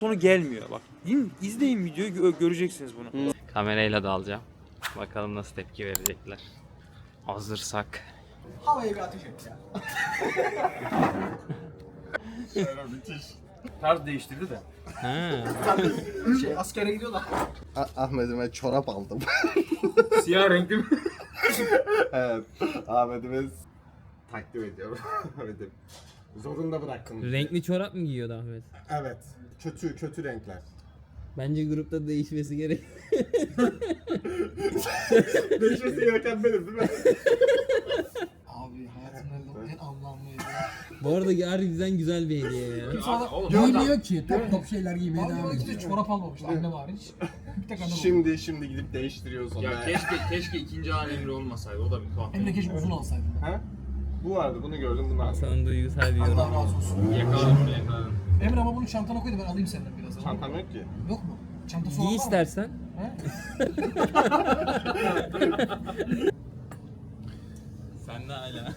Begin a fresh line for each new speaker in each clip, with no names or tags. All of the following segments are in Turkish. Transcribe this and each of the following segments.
sonu gelmiyor bak. İzleyin videoyu göreceksiniz bunu.
Kamerayla da alacağım. Bakalım nasıl tepki verecekler. Hazırsak.
Havaya bir ateş et ya.
Müthiş. Tarz değiştirdi de.
Ha.
Askere gidiyor da.
Ahmet'ime çorap aldım.
Siyah renkli mi?
Evet. Ahmet'ime takdim ediyorum. Ahmet'im. Zorunda bırakın.
Renkli çorap mı giyiyordu Ahmet?
Evet. Kötü renkler.
Bence grupta değişmesi gerek.
Değişmesi gereken benim değil mi?
Abi hayatımda en anlamlıydı.
Bu arada harbiden güzel bir hediye ya.
Giymiyor ki. Top şeyler giymeye devam ediyor. Çorap almamıştı annem hariç. Bir tek annem aldı.
Şimdi gidip değiştiriyoruz onu.
Ya keşke ikinci an Emre olmasaydı. O da bir tuhaf.
Hem de keşke uzun alsaydım.
Ha? Bu vardı, bunu gördüm, bunu aldım.
Sana duygusal bir
Allah
yorum.
razı olsun.
Yakaladım.
Emre ama bunu çantana koy da ben alayım senden biraz.
Çantam yok ki.
Yok mu? Çantası olan
Giy
var mı?
istersen.
He?
Sen de hala.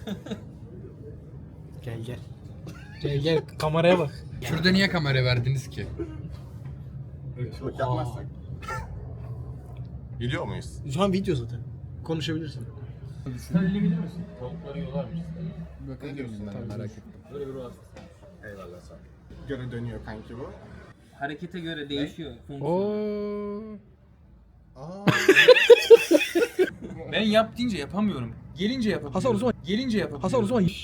Gel kameraya bak.
Şurada niye kamera verdiniz ki?
Işılık yapmazsak. Biliyor muyuz?
Şu an video zaten. Konuşabilirsin.
Bakın merak ettim.
Eyvallah sağ ol. Göre dönüyor kanki bu.
Harekete göre değişiyor.
Aa.
Ben yap deyince yapamıyorum. Gelince yapabiliyorum.
Hasan o zaman.
Gelince yapabiliyorum.
Hasan o zaman.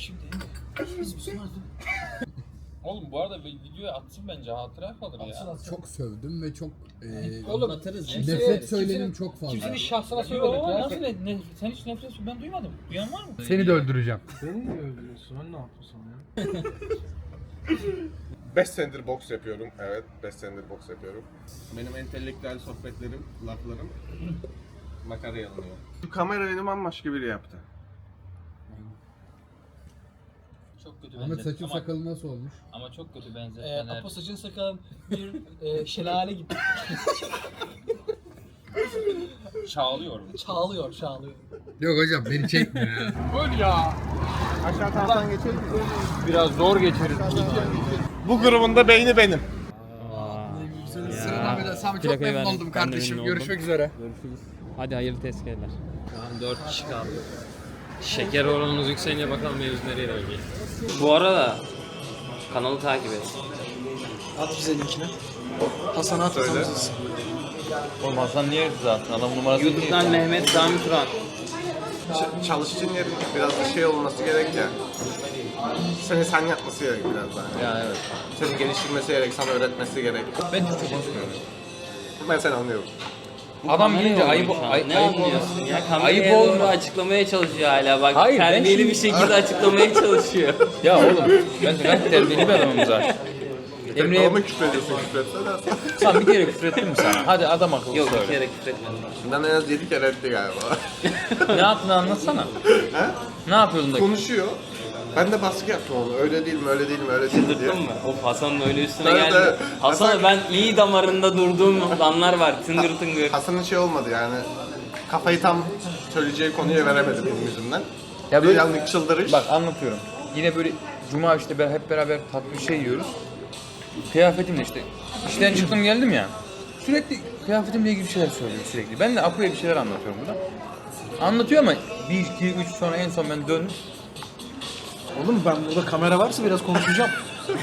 Oğlum bu arada videoya atsın bence hatıra kalır ya.
Çok sövdüm ve çok
Oğlum
Anlatırız ya.
nefret söylenim çok fazla.
kimsenin şahsına
Yo,
söylemedik ya.
nasıl sen hiç nefret ben duymadım. Duyan var mı?
Seni de öldüreceğim.
Beni mi öldürüyorsun? Ben ne yapıyorsun ya?
5 senedir boks yapıyorum. Evet, 5 senedir boks yapıyorum. Benim entelektüel sohbetlerim, laflarım makaraya alınıyor. Şu kamera benim bambaşka biri yaptı.
Çok kötü
Ahmet
benzetme
saçın
ama,
sakalı nasıl olmuş?
ama çok kötü benzetmeler.
Apo saçın sakalın bir şelale gibi.
Çağlıyorum.
Çağlıyor.
Yok hocam beni çekme ya.
Aşağı taraftan geçelim mi?
Biraz zor geçeriz.
Bu grubun da beyni benim.
Sıradan bir Sami çok
Plakayı
memnun
verdim.
oldum
Ben de
kardeşim.
memnun oldum.
Görüşmek üzere.
Görüşürüz. Hadi hayırlı tezkereler. Şu an 4 kişi kaldı. Şeker oranımız yükselince bakalım mevzu nereye dönecek. Bu arada kanalı takip et.
At bize linkini. Hasan at.
Söyle.
Oğlum Hasan niye zaten adam numarası
YouTube'dan Mehmet Sami Turan.
Çalıştığın yerin biraz da şey olması gerek ya. Sen yapması gerek biraz daha.
Ya evet.
Seni geliştirmesi gerek, sana öğretmesi gerek.
Ben Türkçe konuşmuyorum.
Ben seni anlıyorum.
Adam
Kameraya
gelince
olmuş
ayıp
ha.
ayıp
Ne anlıyorsun ya? Kameraya
ayıp
doğru
olma.
açıklamaya çalışıyor hala bak.
Hayır, ben
terbiyeli
şimdi-
bir şekilde açıklamaya çalışıyor.
Ya oğlum ben gayet terbiyeli bir adamım zaten. Emre'ye
Ama küfür ediyorsun, küfür etsene.
sen bir kere küfür ettin mi sana? Hadi adam akıllı
Yok bir
söyle.
kere küfretmedim.
Ben en az 7 kere etti galiba.
Ne yaptığını anlatsana.
He?
Ne yapıyordun da?
Konuşuyor. Ben de baskı yaptım onu. Öyle değil mi, öyle değil mi, öyle değil mi diye.
Çıldırttın mı? Of Hasan'ın öyle üstüne
Evet,
geldi.
evet.
Hasan'a ben iyi damarında durduğum anlar var. Tıngır tıngır.
Hasan'ın şey olmadı yani. Kafayı tam söyleyeceği konuya veremedi benim yüzümden.
Ya
Bir
böyle
yanlık çıldırış.
bak anlatıyorum. Yine böyle cuma işte hep beraber tatlı bir şey yiyoruz. Kıyafetimle işte işten çıktım geldim ya. Sürekli kıyafetimle ilgili bir şeyler söylüyor sürekli. Ben de Apo'ya bir şeyler anlatıyorum burada. Anlatıyor ama 1, 2, 3 sonra en son ben döndüm.
Oğlum ben burada kamera varsa biraz konuşacağım.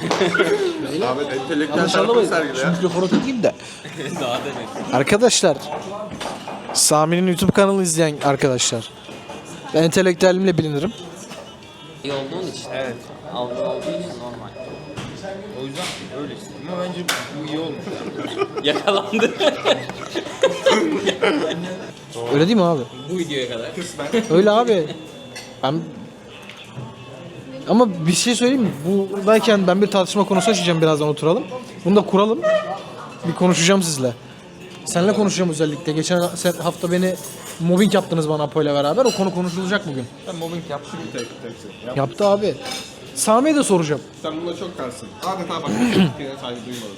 Abi entelektüel
Yanlış
tarafını
anlamayın.
sergile
Şu
ya.
mikrofonu tutayım da.
Daha da net.
Arkadaşlar. Sami'nin YouTube kanalı izleyen arkadaşlar. Ben entelektüelimle bilinirim.
İyi olduğun için. Evet. Algı olduğu için normal.
O yüzden öyle işte. Ama bence bu iyi olmuş.
Yakalandı.
Öyle değil mi abi?
Bu videoya kadar.
Öyle abi. Ben... Ama bir şey söyleyeyim mi? Buradayken ben bir tartışma konusu açacağım, birazdan oturalım. Bunu da kuralım. Bir konuşacağım sizle. Seninle konuşacağım özellikle. Geçen hafta beni mobbing yaptınız bana Apo ile beraber. O konu konuşulacak bugün.
Ben mobbing yaptım.
Yaptı abi. Sami'ye de soracağım.
Sen buna çok karşısın. Adeta bak. Yine saygı duymadı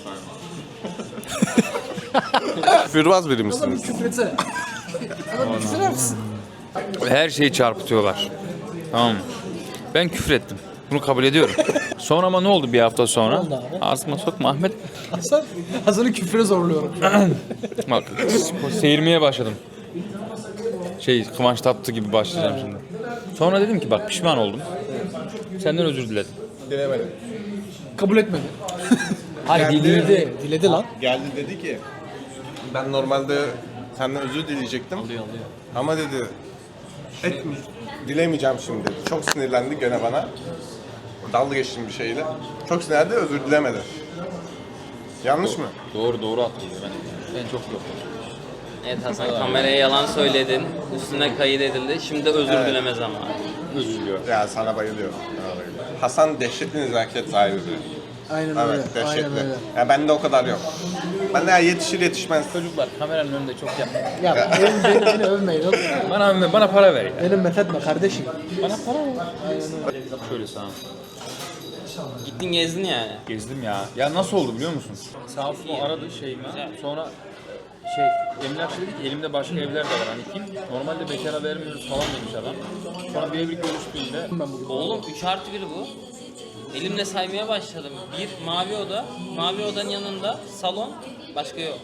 saygı. Küfürbaz biri misiniz?
Küfür etsene. Adam küfür misin?
Her şeyi çarpıtıyorlar. Tamam mı? Ben küfür ettim. Bunu kabul ediyorum. Sonra ama ne oldu bir hafta sonra?
Ne oldu abi?
Ağzıma sokma Ahmet.
Hasan'ı küfre zorluyorum.
Bak seyirmeye başladım. Kıvanç Tatlı gibi başlayacağım şimdi. Sonra dedim ki bak pişman oldum. Senden özür diledim.
Dilemedim.
Kabul etmedi.
Hayır
Diledi lan.
Geldi dedi ki ben normalde senden özür dileyecektim. Ama dedi dilemeyeceğim şimdi. Çok sinirlendi gene bana. Dalga geçtim bir şeyle. Çok sinirlendi, özür dilemedi. Yanlış mı?
Doğru hatırlıyorum ben çok yok.
Evet Hasan, kameraya yalan söyledin. Üstüne kayıt edildi. Şimdi özür dileme zamanı.
Özür diliyorum.
Ya sana bayılıyorum. Hasan dehşetli nezaket sahibi biri.
Aynen öyle.
Evet, dehşetli.
Aynen öyle.
Ya bende o kadar yok. Bende yetişir yetişmez.
Çocuklar kameranın önünde çok yapma.
Ya beni övmeyin oğlum.
Bana para ver ya.
Benim methetme kardeşim.
Bana para ver. Şöyle sana.
Gittin gezdin yani.
Gezdim ya. Ya nasıl oldu biliyor musun? Sağ olsun o aradı şeyimi. Sonra emlakçı dedi ki elimde başka evler de var hani kim? Normalde bekara vermiyoruz falan demiş adam. Sonra bir evlilik görüştüğünde
Oğlum 3+1 bu. Elimle saymaya başladım. Bir mavi oda, mavi odanın yanında salon, başka yok.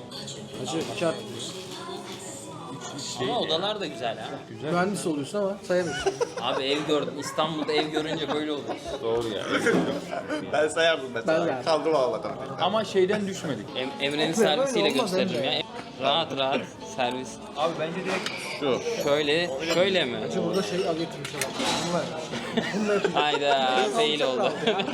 Ama odalar da güzel ha.
Mühendis oluyorsun ama sayamıyorsun.
Abi ev gördüm. İstanbul'da ev görünce böyle olur.
doğru ya.
Ben sayardım mesela.
Ben de.
Kaldım ağladım.
Ama şeyden düşmedik.
Emre'nin servisiyle
olmaz
gösteririm
Emre.
ya. Rahat servis.
Abi bence direkt
Şu.
Şöyle mi?
Burada al getirmiş adam.
Hayda fail oldu.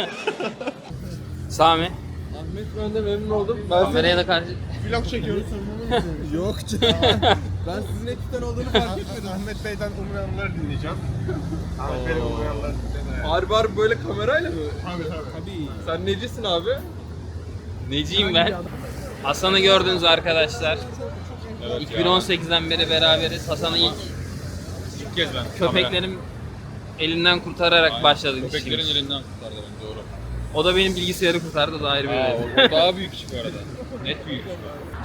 Sami.
Ahmet ben de memnun oldum.
Kameraya da karşı.
Vlog çekiyoruz.
Yok canım. Ben sizin ekipten olduğunu fark etmedim.
Ahmet Bey'den umranları dinleyeceğim. Ahmet Bey'den umranları dinleyeceğim.
Harbi böyle kamerayla mı?
Tabii.
Sen necisin abi?
Neciyim ben? Hasan'ı gördünüz arkadaşlar. 2018'den beri beraberiz. Hasan'ı ilk
kez ben.
köpeklerim elinden kurtararak başladık
Köpeklerin
işimiz.
elinden kurtardı beni doğru.
O da benim bilgisayarı kurtardı, o da ayrı bir mevzu.
O daha büyük iş bu arada. Net büyük iş.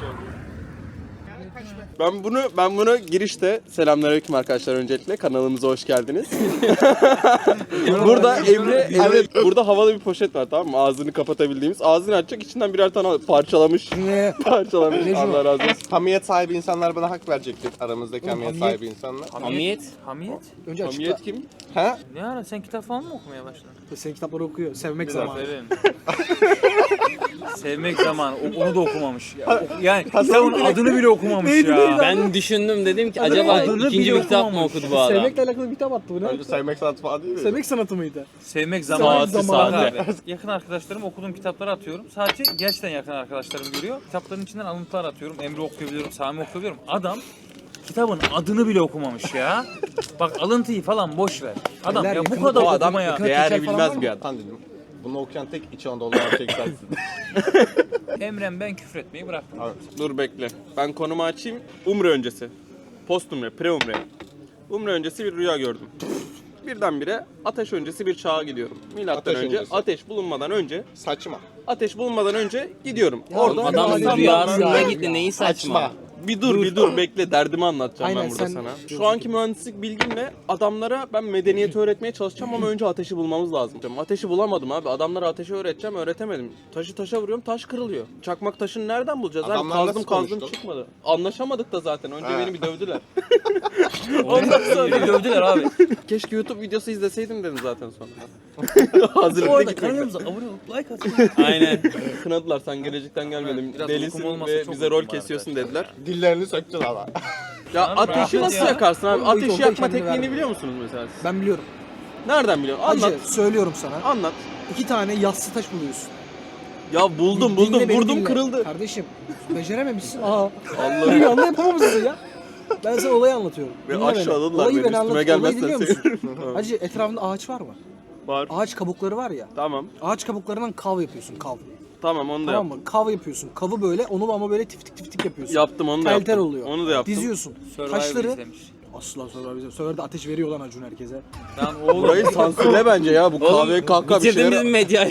Ben bunu girişte selamünaleyküm arkadaşlar öncelikle kanalımıza hoş geldiniz. Burada Emre burada havalı bir poşet var tamam mı? Ağzını kapatabildiğimiz. Ağzını açacak içinden birer tane parçalamış. Parçalamış. Allah razı olsun.
Hamiyet sahibi insanlar bana hak verecektir. Aramızdaki hamiyet sahibi insanlar.
Hamiyet.
Hamiyet?
Önce açıkla.
Hamiyet kim?
Ha?
Ne ara sen kitap falan mı okumaya başladın?
Senin kitapları okuyor. Sevmek zamanı.
Sevmek zamanı. Onu da okumamış. Yani kitabın adını bile okumamış ya.
Ben düşündüm, dedim ki acaba
adını
ikinci
bile
bir kitap mı okudu bu adam?
Sevmekle alakalı bir kitap attı bu ne?
Önce sevmek sanatı falan değil mi?
Sevmek sanatı mıydı?
Sevmek
zamanı.
zamanı. Abi. Yakın arkadaşlarım okuduğum kitapları atıyorum. Sadece gerçekten yakın arkadaşlarım görüyor. Kitapların içinden alıntılar atıyorum. Emre okuyabiliyorum, Sami okuyabiliyorum. Adam kitabın adını bile okumamış ya. Bak alıntıyı falan boş ver. Adam
Beyler,
ya bu
yakında
kadar
o adam
okumaya.
yakın-
Değer
teker falan var
bilmez
mı?
bir adam.
Tan dedim. Bunu okuyan tek İç Anadolu erkek sensin.
Emre'm ben küfür etmeyi bıraktım.
Dur bekle. Ben konumu açayım. Umre öncesi. Post umre, pre umre. Umre öncesi bir rüya gördüm. Birdenbire ateş öncesi bir çağa gidiyorum. Milattan
Ateş
önce,
öncesi.
ateş bulunmadan önce,
Saçma.
ateş bulunmadan önce gidiyorum.
Orada
Adam
Adam
rüyasında
ya.
gitti, neyi saçma.
Bir dur bekle derdimi anlatacağım
Aynen,
ben burada
sen-
sana. Şu anki mühendislik bilgimle adamlara ben medeniyeti öğretmeye çalışacağım ama önce ateşi bulmamız lazım. Ateşi bulamadım abi. Adamlara ateşi öğreteceğim, öğretemedim. Taşı taşa vuruyorum, taş kırılıyor. Çakmak taşını nereden bulacağız abi?
Adamlar
Kazdım
nasıl
kazdım
konuştu?
çıkmadı. Anlaşamadık da zaten. Önce
Ha.
beni bir dövdüler.
Ondan sonra dövdüler abi.
Keşke YouTube videosu izleseydim dedim zaten sonra. Hazır
Orada
bir de
kanalımıza abone olup like atın.
Aynen.
kınadılar sen gelecekten gelmedin.
Biraz
Delisin
uykum olmasa
ve
çok
bize rol
uykum var
kesiyorsun dediler.
Dillerini söktün ama.
Ya
Abi,
ateşi
rahmet
nasıl
ya.
yakarsın abi?
Oğlum,
Ateşi
yolda
yakma
kendini
tekniğini
verme.
biliyor musunuz mesela siz?
Ben biliyorum.
Nereden biliyorsun? Anlat.
Hacı söylüyorum sana.
Anlat.
2 tane yassı taş buluyorsun.
Ya buldum
Dinle beni,
vurdum
dinle.
kırıldı.
Kardeşim becerememişsin. Aa.
Allah'ım.
Bir anda yapamamışsın ya. Ben sana olayı anlatıyorum.
Ve
Dinle beni.
aşağıladılar
Olayı
beni,
beni
üstüme
anlat. Olayı
gelmezsen
dinliyor musun?
sevinirim.
Hacı etrafında ağaç var mı?
Var.
Ağaç kabukları var ya.
Tamam.
Ağaç kabuklarından kav yapıyorsun kav.
Tamam onu da
Tamam
yaptım.
mı? Kav yapıyorsun. Kavı böyle onu ama böyle tiftik tiftik yapıyorsun.
Yaptım onu da
Tel
yaptım.
tel oluyor.
Onu da yaptım.
Diziyorsun.
Survivor
Taşları
izlemiş.
asla Survivor. Survivor'da ateş veriyor lan Acun herkese.
Lan oğlum.
Burayı sansürle bence ya. Bu kahve kahkaha bir
Bitirdin bizim
şeyler.
medyayı.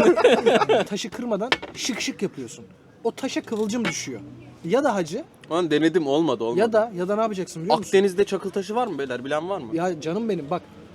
Taşı kırmadan şık şık yapıyorsun. O taşa kıvılcım düşüyor. Ya da hacı
Lan denedim olmadı.
ya da ne yapacaksın biliyor musun?
Akdeniz'de çakıl taşı var mı beyler? Bilen var mı?
Ya canım benim bak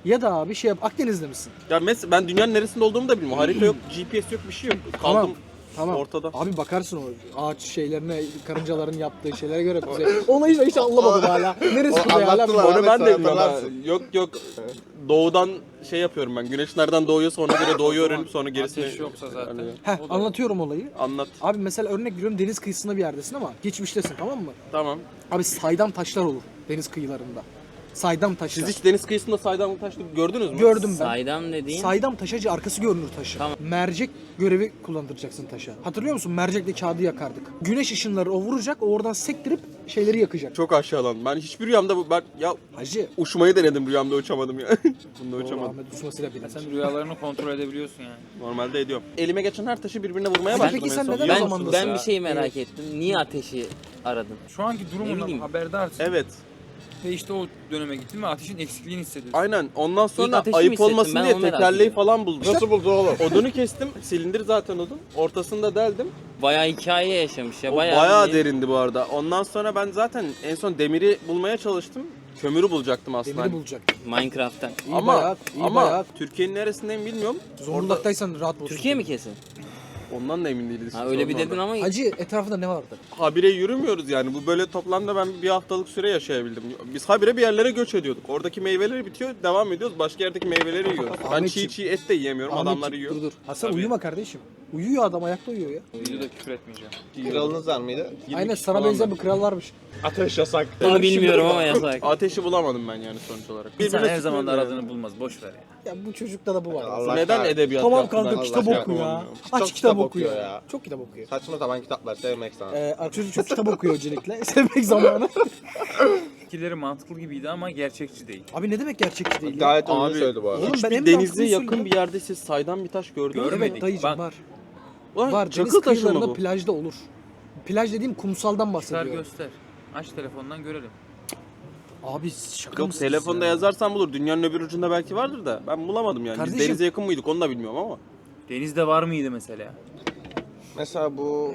Ya da abi şey yap, Akdeniz'de misin?
Ya mesela ben dünyanın neresinde olduğumu da bilmiyorum. Harita yok, GPS yok, bir şey yok. Kaldım
Tamam.
ortada.
Abi bakarsın o ağaç şeylerine, karıncaların yaptığı şeylere göre bize. Olayı da hiç anlamadım hala. Neresi kuzey hala
anlattılar
bilmiyorum.
Onu ben de
Ahmet,
bilmiyorum. ha.
hatırlarsın.
Yok. Doğudan şey yapıyorum ben. Güneş nereden doğuyorsa ona göre doğuyu öğrenip sonra gerisini...
Ateş yoksa zaten.
Yani
Heh, anlatıyorum olayı.
anlat.
Abi mesela örnek veriyorum, deniz kıyısında bir yerdesin ama geçmiştesin, tamam mı?
Tamam.
Abi saydam taşlar olur deniz kıyılarında. Saydam taşlar.
Siz hiç deniz kıyısında saydamlık taşlı gördünüz mü?
Gördüm ben.
Saydam dediğin
Saydam taşacı, arkası görünür taşı.
Tamam.
Mercek görevi kullandıracaksın taşa. Hatırlıyor musun? Mercekle kağıdı yakardık. Güneş ışınları o vuracak, o oradan sektirip şeyleri yakacak.
Çok aşağıdan. Ben hiçbir rüyamda ya
Hacı.
uçmayı denedim, rüyamda uçamadım ya. Bunda uçamadım.
Ahmet uçmasıyla bilinç.
Sen rüyalarını kontrol edebiliyorsun yani.
Normalde ediyorum. Elime geçen her taşı birbirine vurmaya
Ama
başladım.
peki sen
en son.
neden o
Yok.
zaman-
ben bir şey merak ettim. Niye ateşi aradın?
Şu anki
Ne
durumundan
bileyim.
haberdarsın.
Evet.
Ve işte o döneme gittin ve ateşin eksikliğini hissediyorsun.
Aynen. Ondan
İlk
sonra
ateşi mi
ayıp
hissettin?
olmasın
Ben
diye
onu merak
tekerleği
ediyorum.
falan buldum.
Nasıl buldu oğlum?
Odunu kestim. Silindir zaten odun. Ortasında deldim.
Bayağı hikaye yaşamış ya.
O bayağı derindi bu arada. Ondan sonra ben zaten en son demiri bulmaya çalıştım. Kömürü bulacaktım aslında.
Demiri bulacak.
Minecraft'tan.
İyi
Ama
bayağı, iyi
ama
bayağı.
Türkiye'nin neresindeyim bilmiyorum.
Zonguldak'taysan rahat bulursun.
Türkiye mi kesin?
Ondan da emin değiliz.
Ha öyle bir dedin ama
Hacı etrafında ne vardı?
Habire yürümüyoruz yani. Bu böyle toplamda ben bir haftalık süre yaşayabildim. Biz habire bir yerlere göç ediyorduk. Oradaki meyveleri bitiyor, devam ediyoruz. Başka yerdeki meyveleri yiyoruz. Ben
Ahmetciğim,
çiğ et de yiyemiyorum. Adamlar yiyor.
Dur. Hasan
Tabii.
uyuma kardeşim. Uyuyor adam, ayakta uyuyor ya.
Videoda küfür etmeyeceğim.
Kralınız var mıydı?
20
Aynen
kişi
sana
falan
benzeyen
var.
bir kral varmış.
Ateş yasak.
bunu bilmiyorum ama yasak.
Ateşi bulamadım ben yani sonuç olarak.
İnsan
Birbirine
her zaman da
sıkıyorlar
aradığını bulmaz. Boş ver ya.
Ya bu çocukta da bu var.
Allah
Neden
kahretsin.
edebiyat
Tamam
yaptılar?
kanka,
Allah
kitap
aşkına
oku ya.
olmuyor.
Aç
Çok
kitap
kitap
okuyor
okuyor
ya.
ya.
Çok kitap okuyor.
Saçma sapan kitaplar sevmek sana.
Çocuk çok kitap okuyor öncelikle. Sevmek zamanı.
Fikirleri mantıklı gibiydi ama gerçekçi değil.
Abi ne demek gerçekçi değil ya?
Gayet
Abi,
onu söyledi bu arada.
Oğlum ben
Hiçbir
en
denize
mantıklısını
yakın
söylüyorum.
bir yerde siz saydam bir taş gördünüz mü?
Görmedik.
Evet dayıcım
Bak-
var.
Ulan
Var. Deniz
çakıl taşı mı
kıyılarında
bu?
plajda olur. Plaj dediğim kumsaldan
Çıkar
bahsediyorum.
göster. Aç telefondan görelim.
Abi şaka
Yok,
mısınız
telefonda
ya?
yazarsan bulur. Dünyanın öbür ucunda belki vardır da ben bulamadım yani.
Kardeşim-
Biz denize yakın mıydık onu da bilmiyorum ama.
Denizde var mıydı mesela?
Mesela bu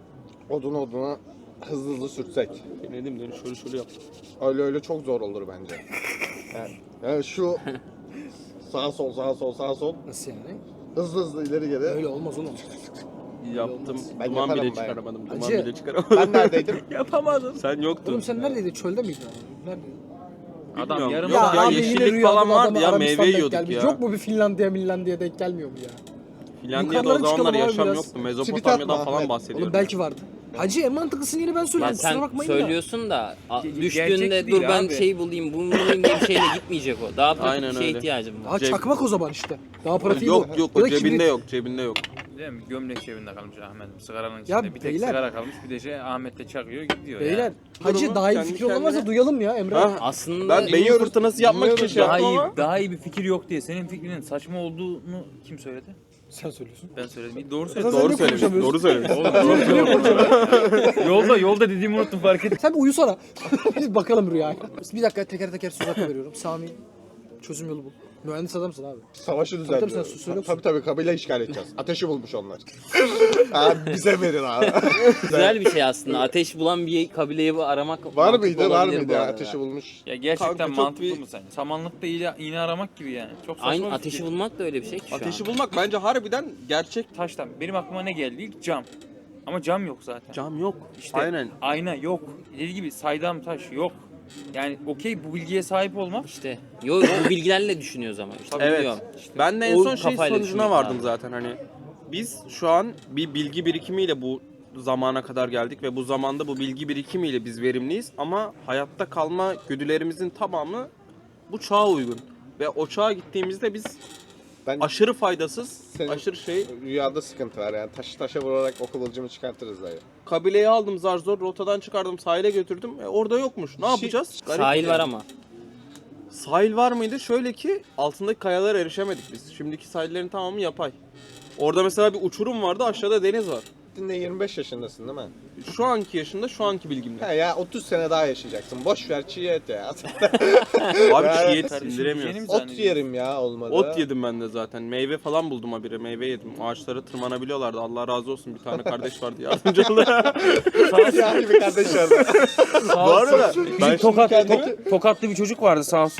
oduna hızlı hızlı sürtsek.
Ne diyeyim şöyle şöyle yap.
Öyle çok zor olur bence. Yani şu sağ sol
Nasıl yani?
hızlı ileri geri.
Öyle olmaz oğlum.
Yaptım.
Ben
Duman
yaparım
bile
ben.
çıkaramadım. Duman
Hacı,
bile çıkaramadım.
Ben neredeydim?
Yapamadım. Sen yoktun.
Oğlum sen neredeydin? Çölde miydin? Neredeydin?
Adam
Bilmiyorum.
yarım
Yok
saat-
ya, yeşillik falan vardı ya, meyve yiyorduk ya.
Yok mu bir Finlandiya denk gelmiyor mu ya?
Finlandiya'da o
Yukarılara
zamanlar
çıkalım abi
yaşam
biraz.
yoktu.
Tweet
Mezopotamya'dan
atma
falan
Ahmet.
bahsediyorum.
Oğlum belki vardı. Hacı en mantıklısını yine ben
Ya
söylüyorum. Kusura
sen
bakmayın da.
söylüyorsun da
Gerçek
düştüğünde
değil
dur ben
abi.
şey bulayım bunu bulayım diye bir şeyle gitmeyecek o. Daha pratik
Aynen
bir şeye
öyle.
ihtiyacım var.
Ha
Ceb-
çakmak o zaman işte. Daha pratiği
Yok
bu.
yok
Ya
o
da
cebinde
kibrit.
yok cebinde yok.
Değil mi? Gömlek cebinde kalmış Ahmet'in sigaranın içinde.
Ya
bir tek
beyler-
sigara kalmış bir de şey Ahmet de çakıyor gidiyor
Beyler
ya.
hacı
Durumu
daha iyi bir
kendi
fikir olamazsa
kendine-
duyalım ya Emre.
Ha,
Aslında
ben beyin fırtınası yapmak için şey
Daha
yaptım
iyi,
ama.
daha iyi bir fikir yok diye senin fikrinin saçma olduğunu kim söyledi?
Sen söylüyorsun.
Ben söyledim. Doğru
Sen
söyledim.
ne
Doğru söylemiş.
konuşamıyorsun?
Doğru söylemiş.
yolda dediğimi unuttum fark ettim.
Sen bir uyusana. Biz bakalım rüyaya. Bir dakika teker teker söz hakkı veriyorum. Sami çözüm yolu bul. Mühendis adamsın abi.
Savaşı
Tabii,
düzenliyor.
sen söyle.
Tabii kabile işgal edeceğiz. Ateşi bulmuş onlar. Abi bize verin abi.
güzel bir şey aslında. Ateş bulan bir kabileyi aramak
Var
mantıklı
mıydı? Var
olabilir
mıydı?
bu arada.
Ateşi bulmuş.
Ya gerçekten
Kanka çok
mantıklı
bir-
mı sence? Samanlıkta iğne aramak gibi yani. Çok saçma
Aynı
bir
ateşi
fikir.
bulmak da öyle bir şey ki şu
Ateşi
an.
bulmak bence harbiden gerçek.
Taştan. Benim aklıma ne geldi? İlk cam. Ama cam yok zaten.
Cam yok.
İşte
Aynen.
ayna yok. Dediği gibi saydam taş yok. Yani okey bu bilgiye sahip olmak
İşte yo bu bilgilerle düşünüyoruz ama işte
Evet.
biliyorum.
Ben de en
O
son şey
kafayla
sonucuna
düşünmek
vardım
lazım.
zaten hani. Biz şu an bir bilgi birikimiyle bu zamana kadar geldik ve bu zamanda bu bilgi birikimiyle biz verimliyiz ama hayatta kalma güdülerimizin tamamı bu çağa uygun. Ve o çağa gittiğimizde biz
Ben
aşırı faydasız,
Senin-
aşırı şey.
rüyada sıkıntı var yani. Taşa vurarak o kıvılcımı çıkartırız dayı.
Kabileyi aldım zar zor, rotadan çıkardım, sahile götürdüm. Orada yokmuş. Ne yapacağız? Garip
Sahil
yani.
var ama.
Sahil var mıydı? Şöyle ki altındaki kayalara erişemedik biz. Şimdiki sahillerin tamamı yapay. Orada mesela bir uçurum vardı, aşağıda deniz var.
Dinle 25 yaşındasın değil mi?
Şu anki yaşında, şu anki bilgimle.
He ya 30 sene daha yaşayacaksın. Boş ver çiğ et ya.
Abi
Yani-
çiğ et
Kardeşim,
sindiremiyoruz.
yeni mi
Ot
zannediyorsun?
yerim ya olmadı.
Ot yedim ben de zaten. Meyve falan buldum habire. Meyve yedim. Ağaçlara tırmanabiliyorlardı. Allah razı olsun. Bir tane kardeş vardı yardımcı oldu.
Yani bir kardeş vardı.
Bu arada ben
Bizim
şimdi kendimi...
tokatlı bir çocuk vardı sağ olsun.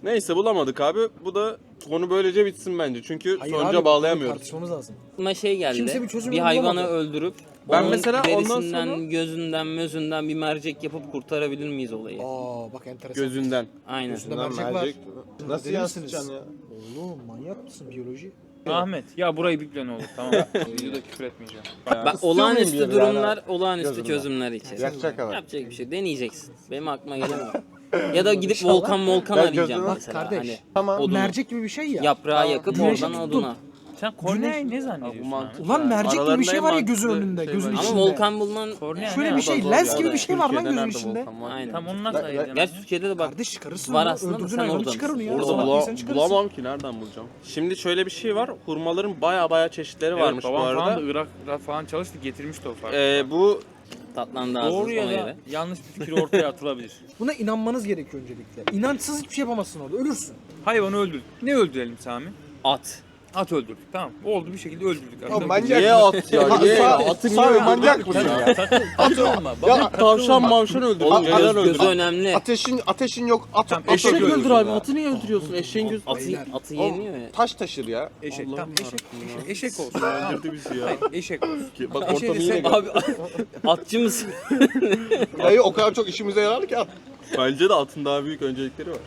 Neyse bulamadık abi. Bu da konu böylece bitsin bence. Çünkü
Hayır
sonuca
abi,
bağlayamıyoruz.
tartışmamız lazım.
Aklıma şey geldi.
Kimse bir çözüm
bir
yolu
hayvanı
bulamadı.
öldürüp
Ben
onun
mesela ondan
derisinden,
sonra-
gözünden, mözünden bir mercek yapıp kurtarabilir miyiz olayı?
Aa bak enteresan.
Gözünden.
Aynen.
Gözünde
Lan
mercek var.
mercek. Nasıl
Deli
yansıtacaksın
misiniz?
ya?
Oğlum manyak mısın biyoloji?
Ahmet ya burayı biple ne olur tamam. Videoda küfür etmeyeceğim.
Bak
İstiyor
olağanüstü
muyum bir
durumlar,
yani?
olağanüstü
Gözünden.
çözümler için.
Yakacak kadar.
Yapacak bir şey. Deneyeceksin. Benim aklıma gelemez. Ya da gidip volkan
Ben
arayacağım
gözüme-
Bak
mesela.
kardeş.
Hani
Tamam.
odunu.
Mercek gibi bir şey ya.
Yaprağı yakıp
Güneşi
oradan
tuttun.
oduna.
Sen korneayı ne zannediyorsun?
mantıklı.
Ulan mercek gibi bir şey var ya gözün
Aralarında en
önünde,
mantıklı
gözün
şey var.
içinde.
Ama volkan bulunan
Kornea
Şöyle
ne
bir
ya?
şey,
Zor
lens
ya
gibi
da.
bir şey var lan
Türkiye'de
gözün
nerede
içinde.
volkan var?
aynen.
Tam onu nasıl ayıracaksın?
Gerçi Türkiye'de de bak
Kardeş çıkarırsın
var
onu,
aslında da
öldürdüğün
sen
hayvanı
oradan
çıkar onu ya.
Orada
Sabah yesen çıkarırsın.
bulamam ki nereden bulacağım. Şimdi şöyle bir şey var. Hurmaların baya çeşitleri
Evet,
varmış bu
babam falan
arada.
da Irak'ta falan çalıştı getirmişti o farkı.
Bu
tatlandı ağzınız
Doğru ya
ona
da
göre.
yanlış bir fikir ortaya atılabilir.
Buna inanmanız gerekiyor öncelikle. İnançsız hiçbir şey yapamazsın orada, ölürsün.
Hayvanı öldürdük. Ne öldürelim Sami?
At.
At öldürdük tamam. Oldu bir şekilde öldürdük.
Ya
Arada
manyak
niye at ya? Niye ya? Atı niye
Sami
öldürdün?
manyak mısın ya?
takılma.
Ya
Tavşan mavşan öldürdün.
Oğlum
Neden
gözü
öldürdün?
önemli.
Ateşin yok.
Tamam,
At
eşek
öldür.
öldür abi. Atı niye öldürüyorsun? Eşeğin gözü.
Atı yemiyor ya.
Taş taşır ya.
Eşek.
Allah'ım
Tamam
yarabbim
eşek olsun. Tamam.
Öldürdü bizi ya.
Hayır, eşek olsun.
Bak
Eşeği
ortamı
de
yine
sen-
gör.
Abi atçı mısın?
Dayı o kadar çok işimize yarar ki at.
Bence de atın daha büyük öncelikleri var.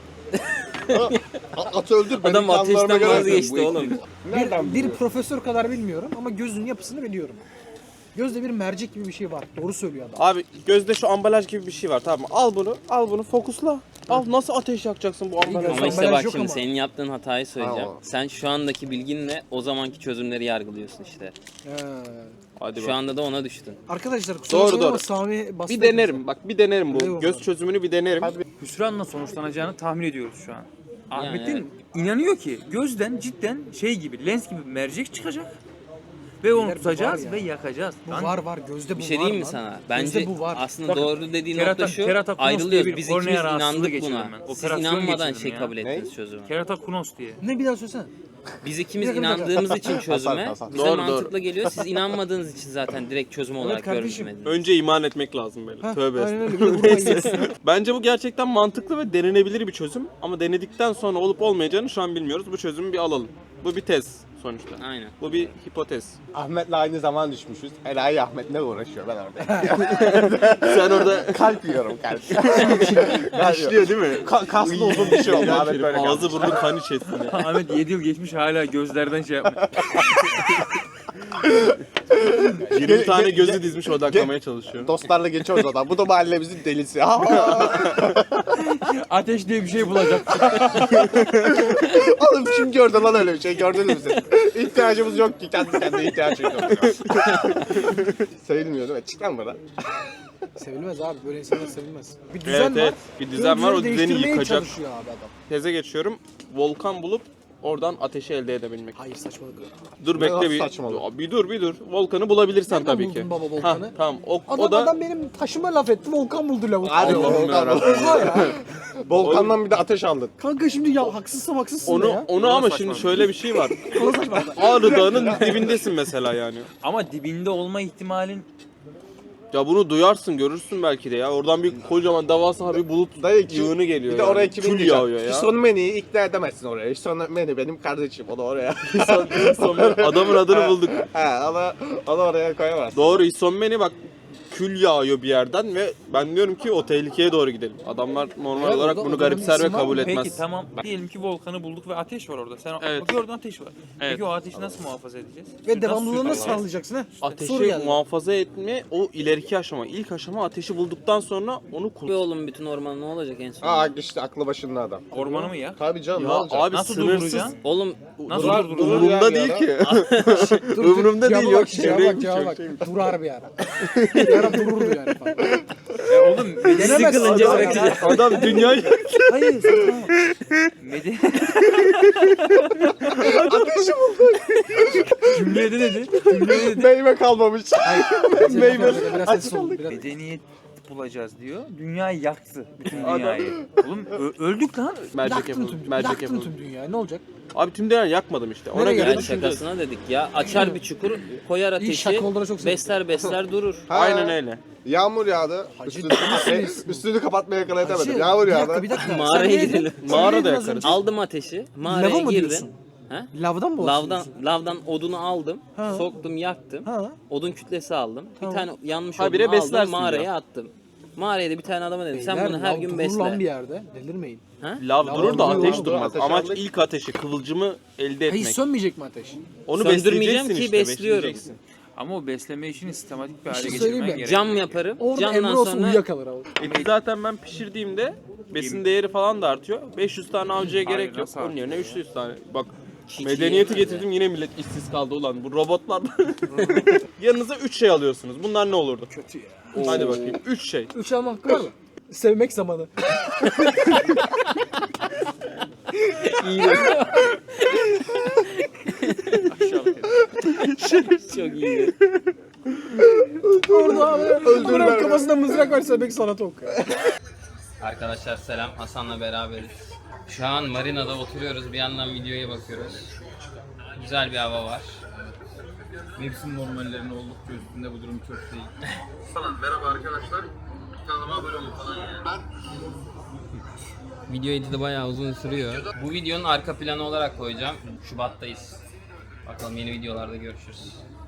Atı öldür. benim
Adam
kanlarıma
ateşten
göre-
vazgeçti oğlum.
Nereden
Bir profesör kadar bilmiyorum ama gözün yapısını biliyorum. Gözde bir mercek gibi bir şey var. Doğru söylüyor adam.
Abi gözde şu ambalaj gibi bir şey var tamam mı? Al bunu fokusla. Al nasıl ateş yakacaksın bu ambalajı?
Ama işte
ambalaj
bak
yok
şimdi
ama.
senin yaptığın hatayı söyleyeceğim.
Tamam.
Sen şu andaki bilginle o zamanki çözümleri yargılıyorsun işte.
Hadi
Şu
bak.
anda da ona düştün.
Arkadaşlar kusura
Doğru,
bakmayın ama
doğru.
Sami bastı.
Bir denerim bak bir denerim bu.
Eyvallah.
Göz çözümünü bir denerim.
Hüsranla sonuçlanacağını tahmin ediyoruz şu an. Ahmet'in
evet.
inanıyor ki gözden cidden şey gibi lens gibi mercek çıkacak ve onu
Beyler, bu
tutacağız
var ya.
ve yakacağız.
Bu
Lan,
var gözde bu
Bir şey
var
diyeyim mi
lan.
sana?
Gözde
Bence
bu var.
aslında
Bakın,
doğru dediğin
kerata-
nokta şu.
keratokonos diye
Ayrılıyoruz.
bir
Biz
kornea
ikimiz
rahatsızlığı
inandık
geçirdim
buna.
ben.
Siz
Operasyon
inanmadan
geçirdim ya.
kabul ettiniz çözümü.
keratokonos diye.
Ne bir daha söylesene.
Biz ikimiz
Bir dakika, bir dakika.
inandığımız için çözüme
Hasan.
bize
Doğru,
mantıklı geliyor. Siz inanmadığınız için zaten direkt çözüm olarak
kardeşim.
görmediniz.
Önce iman etmek lazım böyle.
Heh,
Tövbe
aynen
estağfurullah.
öyle. Bir de vurmayı yiyorsun.
Bence bu gerçekten mantıklı ve denenebilir bir çözüm. Ama denedikten sonra olup olmayacağını şu an bilmiyoruz. Bu çözümü bir alalım. Bu bir tez sonuçta.
Aynen.
Bu bir hipotez.
Ahmet'le aynı zaman düşmüşüz. Enayi Ahmet ne uğraşıyor ben orada.
Sen orada
Kalp yiyorum kalp.
başlıyor değil mi?
Kaslı uzun bir şey oldu.
İğrenç
Ahmet
herif.
böyle
Ağzı burnu kan içerisinde.
Ahmet 7 yıl geçmiş hala gözlerden şey yapmıyor.
20 tane gözü dizmiş odaklamaya çalışıyor.
Dostlarla geçiyoruz adam. Bu da mahallemizin delisi.
Ateş diye bir şey bulacak.
Oğlum kim gördü lan öyle bir şey? Gördünüz mü siz? İhtiyacımız yok ki. Kendi kendine ihtiyaç yok. Sayılmıyor değil mi? Çık lan bana.
Sevilmez abi, böyle insanlar sevilmez. Bir düzen
Evet
var.
evet. Bir düzen var, o düzeni
değiştirmeye
yıkacak.
çalışıyor abi adam.
Teze geçiyorum. Volkan bulup oradan ateşi elde edebilmek.
Hayır saçmalık.
Dur bekle
Nasıl
bir.
saçmalık?
Bir dur. Volkanı bulabilirsen
Nereden
tabii
buldun
ki.
baba volkanı?
Ha, tamam. O
Adam,
da
adam benim taşıma laf etti, volkan buldu lavuk.
Hadi
Allah'ım
Volkan.
yarabbim.
Oha ya.
Volkandan bir de ateş aldın.
Kanka şimdi ya haksızsam haksızsın da ya.
onu ama şimdi şöyle bir şey var. Ağrı Dağı'nın dibindesin mesela yani.
Ama dibinde olma ihtimalin
Ya bunu duyarsın, görürsün belki de ya. Oradan bir kocaman devasa bir bulut
Dayı
yığını geliyor.
Bir de
yani.
oraya kimin
Kül
diyecek?
yağıyor ya.
Hison Meni'yi ikna edemezsin oraya. Hison Meni benim kardeşim. O da oraya.
Adamın adını bulduk.
He onu oraya koyamazsın.
Doğru, İsommeni bak kül yağıyor bir yerden ve ben diyorum ki o tehlikeye doğru gidelim. Adamlar normal
Evet,
olarak
orada-
bunu
orada
garipser
bir
ve
isim var
kabul
mı?
etmez.
Peki tamam diyelim ki volkanı bulduk ve ateş var orada. Sen
Evet.
gördün ateş var.
Evet.
Peki o ateşi nasıl muhafaza edeceğiz?
Ve devamlılığını
Nasıl
nasıl
sürdüreceğiz?
sağlayacaksın ha? Soru
Ateşi
geldi.
muhafaza etme o ileriki aşama. İlk aşama ateşi bulduktan sonra onu
Be oğlum bütün orman ne olacak en son?
Aa işte aklı başında adam.
Ormanı mı ya?
Tabii canım ne
Ya
olacak?
abi
Nasıl
sınırsız.
durduracaksın?
Oğlum
Nasıl
Durar-
durduracağız?
durur
Umurumda
yani
değil
ya.
ki.
Dur,
Ömrümde
cevaba
değil, yok.
bak, cevaba
Çevreye
bak, cevaba bak.
gidecek.
Durar bir ara. Bir ara dururdu yani falan.
Oğlum
Gelemez
sıkılınca
adam
bırakacak.
ya.
Adam dünyayı
hayır saçmalama.
Ateşi buldu.
Cümlede dedi. Cümlede dedi.
Meyve kalmamış. Meyve.
Biraz sessiz olun. Biraz...
Medeniyet
bulacağız diyor. Dünyayı yaktı. Bütün dünyayı. Oğlum öldük lan.
Mercek
Yaktın
yapalım.
tüm,
Mercek
yaktın
yapalım.
tüm dünyayı. Ne olacak?
Abi tüm dünyayı yakmadım işte. Ona
Nereye
göre
geldi?
Yani
düşüneceğiz.
şakasına dedik ya. Açar bir çukur, koyar
İyi,
ateşi,
şaka olduğuna çok sevindim.
besler durur.
Aynen öyle.
Yağmur yağdı. Üstünü kapatmaya yakalayamadım. Yağmur
Bir
yağdı.
dakika bir dakika.
Mağaraya
Sen neydin?
gidelim.
Sen
Mağara da
neydin az
yakarız.
önce?
Aldım ateşi,
Lava
mağaraya
mı
girdim.
diyorsun?
Ha?
Lavdan mı bahsediyorsun?
Lavdan odunu aldım,
Ha.
soktum, yaktım.
Ha.
Odun kütlesi aldım.
Tamam.
Bir tane yanmış
Habire
odunu aldım,
beslersin
mağaraya
ya.
attım. Mağaraya da bir tane adama dedim, sen
Beyler,
bunu her
lav
gün
durur
besle.
lan bir yerde. Delirmeyin.
Lav durur da
duruyor
ateş
lan.
durmaz.
Ateş
Amaç
yandık.
ilk ateşi, kıvılcımı elde
Hayır
etmek.
sönmeyecek mi ateş?
Onu
Söndürmeyeceğim
besleyeceksin
ki
işte,
besliyorum.
besleyeceksin.
Ama o besleme işini sistematik bir hale
şey
getirmen
söyleyeyim mi?
gerekiyor.
Cam yaparım.
Orada
Camdan
Emre olsa
sonra
uyuyakalır abi.
Eti zaten ben pişirdiğimde besin değeri falan da artıyor. 500 tane avcıya
Hayır,
gerek yok.
nasıl
Onun yerine 300 tane. Bak
Hiç
medeniyeti
yiyemem
getirdim yine millet işsiz kaldı ulan. Bu robotlardan yanınıza 3 şey alıyorsunuz. Bunlar ne olurdu?
Kötü ya.
Hadi bakayım. 3 şey.
3 alma hakkı var mı? Sevmek zamanı.
çok iyi.
Orada abi. Öldürme. Kafasında mızrak var sevmek sanatı oku.
Arkadaşlar selam, Hasan'la beraberiz. Şu an marinada oturuyoruz, bir yandan videoya bakıyoruz. Güzel bir hava var.
Mevsim normallerinin oldukça üstünde, bu durum çok değil.
Video editi bayağı uzun sürüyor. Bu videonun arka planı olarak koyacağım. Şubat'tayız. Bakalım yeni videolarda görüşürüz.